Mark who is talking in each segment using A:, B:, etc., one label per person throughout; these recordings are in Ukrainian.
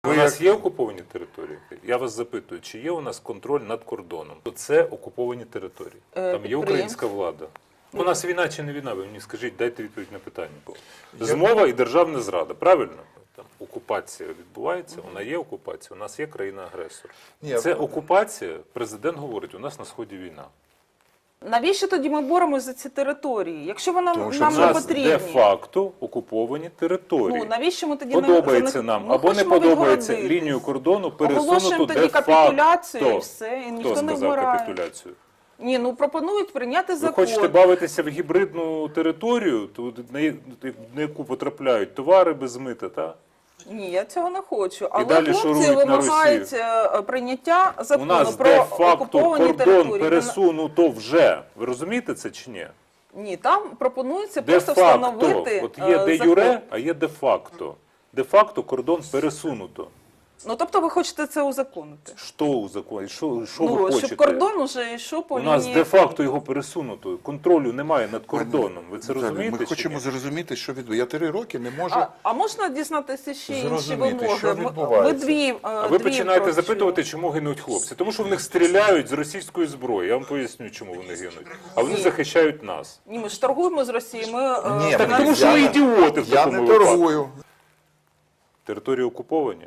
A: У нас є окуповані території? Я вас запитую, чи є у нас контроль над кордоном? Це окуповані території. Там є українська влада. У нас війна чи не війна? Ви мені скажіть, дайте відповідь на питання. Змова і державна зрада, правильно? Там окупація відбувається, вона є окупація, у нас є країна-агресор. Це окупація, президент говорить, у нас на Сході війна.
B: Навіщо тоді ми боремося за ці території? Якщо вона нам
A: не
B: не потрібні.
A: де-факто окуповані території.
B: Ну, навіщо ми тоді
A: подобається нам або не подобається лінію кордону пересунуту
B: тоді капітуляцію і все, і ніхто
A: Хто
B: не
A: сказав
B: вмирає.
A: капітуляцію?
B: Ні, ну пропонують прийняти
A: Ви
B: закон.
A: хочете бавитися в гібридну територію, на яку потрапляють товари без мита, так?
B: Ні, я цього не хочу. Але
A: далі
B: хлопці
A: шурують на
B: вимагають прийняття
A: У
B: закону
A: нас
B: про
A: де-факто
B: окуповані
A: кордон
B: території.
A: пересунуто вже. Ви розумієте це чи ні?
B: Ні, там пропонується просто
A: Де-факто.
B: встановити
A: От є де
B: закон.
A: юре, а є де-факто. Де-факто кордон пересунуто.
B: Ну, тобто ви хочете це узаконити?
A: Що у законі? Що ви
B: Ну,
A: хочете?
B: щоб кордон уже йшов по
A: У
B: лінії...
A: нас де-факто його пересунуто. Контролю немає над кордоном. Ви це розумієте?
C: Ми
A: чи
C: хочемо
A: ні?
C: зрозуміти, що відбувається. Я 3 роки не можу
B: А можна дізнатися ще інші
C: зрозуміти,
B: вимоги?
C: що відбувається.
A: А ви починаєте запитувати, чому гинуть хлопці. Тому що в них стріляють з російської зброї. Я вам поясню, чому вони гинуть. А вони захищають нас.
B: Ні, ми ж торгуємо з Росією.
C: Ні,
A: Так
C: я
A: тому що ви ідіоти в
C: Я
A: такому
C: не
A: випадку.
C: торгую.
A: Території окуповані.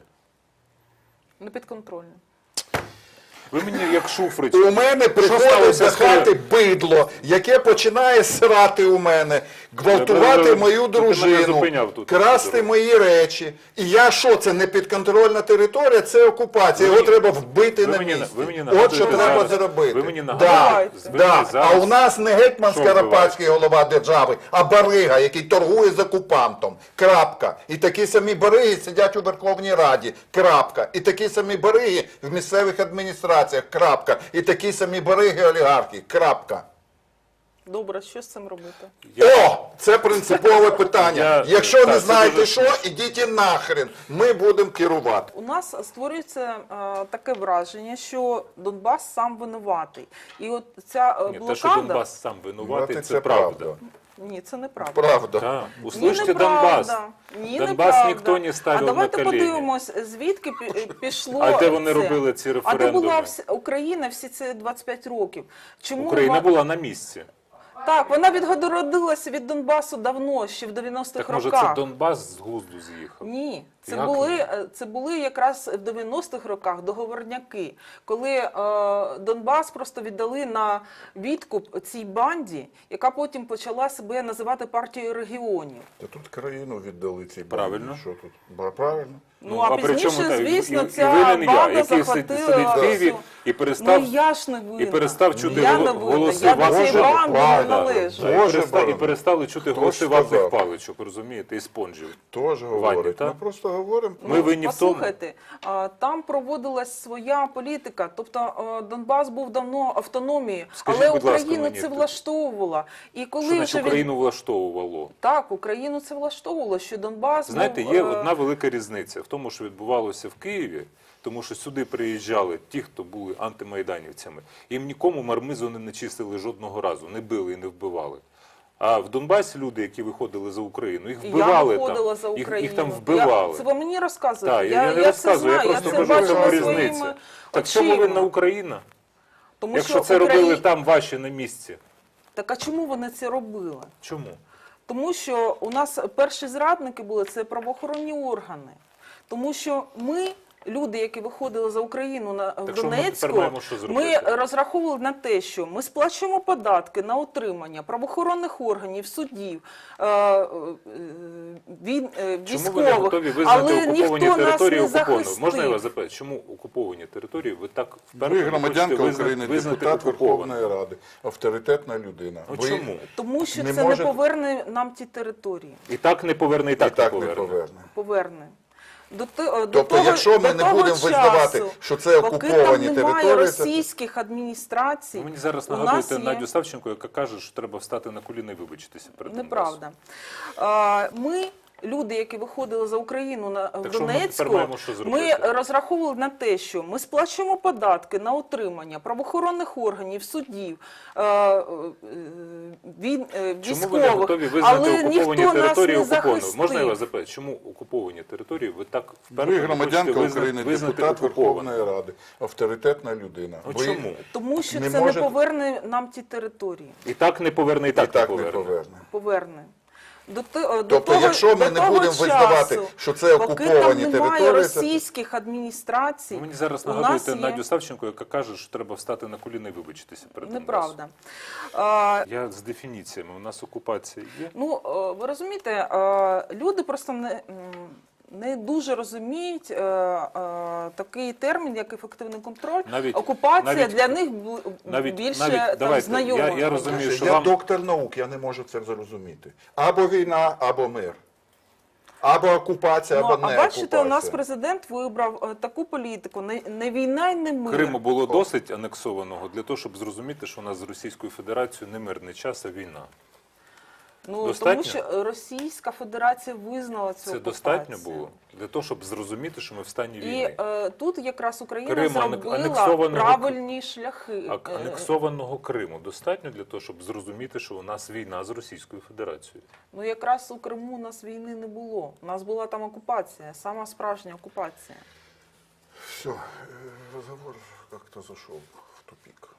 B: Не підконтрольно.
A: Ви мені як Шуфрич.
C: У мене приходить
A: сталося
C: до
A: з
C: хати бидло, яке починає срати у мене, гвалтувати мою
A: Ти мене
C: дружину,
A: зупиняв тут.
C: красти мої речі. І я що, це не підконтрольна територія, це окупація. Його треба вбити на місці. От що треба зробити.
A: Ви мені
C: Да,
A: нагадуєте. Ви
C: да.
A: мені зараз-
C: А у нас не гетьман
A: Що
C: Скоропадський голова держави, а барига, який торгує з окупантом. Крапка. І такі самі бариги сидять у Верховній Раді. Крапка. І такі самі бариги в місцевих адміністраціях. Крапка. І такі самі бариги олігархи. Крапка.
B: Добре, що з цим робити?
C: О! Це принципове питання. Якщо
A: так,
C: не
A: це
C: знаєте
A: дуже
C: що, ідіть нахрен. Ми будемо керувати.
B: У нас створюється таке враження, що Донбас сам винуватий. І от ця
A: Ні,
B: блокада...
A: те, що Донбас сам винуватий, це правда.
B: Ні, це неправда.
C: Правда.
A: Так.
B: Ні,
A: Услышьте
B: неправда.
A: Донбас.
B: Ні,
A: Донбас
B: неправда.
A: ніхто не ставив
B: А
A: на
B: давайте
A: коліні.
B: подивимось, звідки пішло
A: А де вони
B: це?
A: робили ці
B: А де
A: референдуми?
B: була Україна всі ці 25 років? Чому
A: Україна була на місці.
B: Так, вона відгородилася від Донбасу давно, ще в 90-х
A: Так може
B: роках.
A: це Донбас з глузду з'їхав?
B: Ні,
A: Як
B: це були якраз в 90-х роках договорняки, коли Донбас просто віддали на відкуп цій банді, яка потім почала себе називати партією регіонів.
C: Та тут країну віддали цій банді.
A: Правильно.
C: Що тут? Правильно.
B: Ну, а
A: при
B: пізніше,
A: чому так?
B: звісно,
A: І
B: ця
A: винен я,
B: банда
A: який
B: захватила
A: сидить в Києві
B: всю...
A: і перестав,
B: Ну, я ж не винна.
A: і перестав чути
B: я не винна.
A: голоси
B: Я до
A: ваших
B: цієї банди не
C: правда.
B: належу.
C: Боже,
A: і
C: Боже.
A: перестали чути
C: Хто
A: голоси
C: ж
A: ватних
C: сказав?
A: паличок, розумієте, і спонжів.
C: Теж говорить.
A: так?
C: Ми просто говоримо.
A: Ми винні в тому.
B: Послухайте, там проводилась своя політика, тобто Донбас був давно автономією,
A: Скажіть,
B: але
A: будь ласка,
B: Україну
A: мені,
B: це влаштовувало. І коли
A: Що значить
B: вже
A: Україну влаштовувало?
B: Так, Україну це влаштовувало, що Донбас
A: Знаєте,
B: був...
A: є одна велика різниця в тому, що відбувалося в Києві, тому що сюди приїжджали ті, хто були антимайданівцями. Їм нікому мармизу не начистили жодного разу, не били і не вбивали. А в Донбасі люди, які виходили за Україну, їх вбивали
B: Я виходила за
A: там.
B: Україну.
A: Їх там вбивали.
B: Це ви мені розказуєте?
A: Так, я не розказую, я просто
B: це
A: кажу, в чому
B: бачила
A: різниця.
B: своїми
A: Так чому
B: очима.
A: винна Україна?
B: Тому
A: Якщо
B: що
A: це робили там ваші на місці.
B: Так а чому вони це робили?
A: Чому?
B: Тому що у нас перші зрадники були, це правоохоронні органи. Тому що ми, люди, які виходили за Україну в
A: Так що ми
B: Донецьку,
A: тепер маємо що
B: ми
A: зробити?
B: розраховували на те, що ми сплачуємо податки на утримання правоохоронних органів, суддів,
A: Чому ви не
B: військових,
A: готові визнати
B: але
A: окуповані
B: ніхто нас
A: території
B: не
A: окупованими?
B: захистив.
A: Можна я вас запитаю, чому окуповані території ви так вперше
C: Ви
A: не
C: громадянка
A: хочете
C: України,
A: визнати
C: депутат
A: окупованими?
C: Верховної Ради, авторитетна людина.
A: Ну,
C: Ви
A: чому?
B: Тому що
C: не
B: це
C: можете-
B: не поверне нам ті території.
A: І так не поверне, і
C: і
A: так,
C: так
A: не
C: не
A: поверне.
C: поверне.
B: Поверне.
C: Тобто, якщо ми не будемо визнавати, що це окуповані
B: поки там немає
C: території, це-
B: російських адміністрацій,
A: Ви мені зараз
B: у нас
A: нагадуєте
B: є...
A: Надю Савченко, яка каже, що треба встати на коліна і вибачитися перед Донбасом.
B: Неправда. Ми люди, які виходили за Україну в
A: що ми тепер
B: Донецьку,
A: маємо що
B: ми
A: зробити?
B: розраховували на те, що ми сплачуємо податки на утримання правоохоронних органів, суддів,
A: Чому ви не
B: військових,
A: готові визнати
B: але
A: окуповані
B: ніхто нас
A: території
B: не
A: окупованими?
B: захистив.
A: Можна я вас запитаю, чому окуповані території ви так
C: Ви
A: вперто не
C: громадянка
A: хочете
C: України,
A: визнати
C: депутат
A: окупованими?
C: Верховної Ради, авторитетна людина.
A: Ну,
C: Ви
A: чому?
B: Тому що
C: не
B: це
C: можете-
B: не поверне нам ті території.
A: І так не поверне, і
C: І
A: так не
C: так не
A: поверне.
C: поверне.
B: Поверне.
C: Тобто, якщо ми не будемо визнавати, що це окуповані
B: поки там немає
C: території, це-
B: російських адміністрацій,
A: Ви мені зараз
B: у нас
A: нагадуєте
B: є...
A: Надю Савченко, яка каже, що треба встати на коліна і вибачитися перед Донбасом.
B: Неправда.
A: Я з дефініціями. У нас окупація є.
B: Ну, ви розумієте, люди просто не дуже розуміють такий термін, як ефективний контроль. Окупація для них більше там, знайома.
A: Я розумію, що
C: я
A: вам...
C: доктор наук, я не можу це зрозуміти. Або війна, або мир. Або окупація,
B: Ну,
C: або не
B: а бачите,
C: окупація.
B: у нас президент вибрав таку політику, не війна і не мир.
A: Криму було досить анексованого для того, щоб зрозуміти, що у нас з Російською Федерацією не мирний час, а війна.
B: Ну,
A: достатньо?
B: тому що Російська Федерація визнала цю
A: Це
B: окупацію.
A: достатньо було для того, щоб зрозуміти, що ми в стані
B: І
A: війни.
B: тут якраз Україна
A: Крим,
B: зробила
A: анексованого-
B: правильні шляхи.
A: Анексованого Криму достатньо для того, щоб зрозуміти, що у нас війна з Російською Федерацією.
B: Ну якраз у Криму у нас війни не було. У нас була там окупація, сама справжня окупація.
C: Все, разговор как-то зашел в тупик.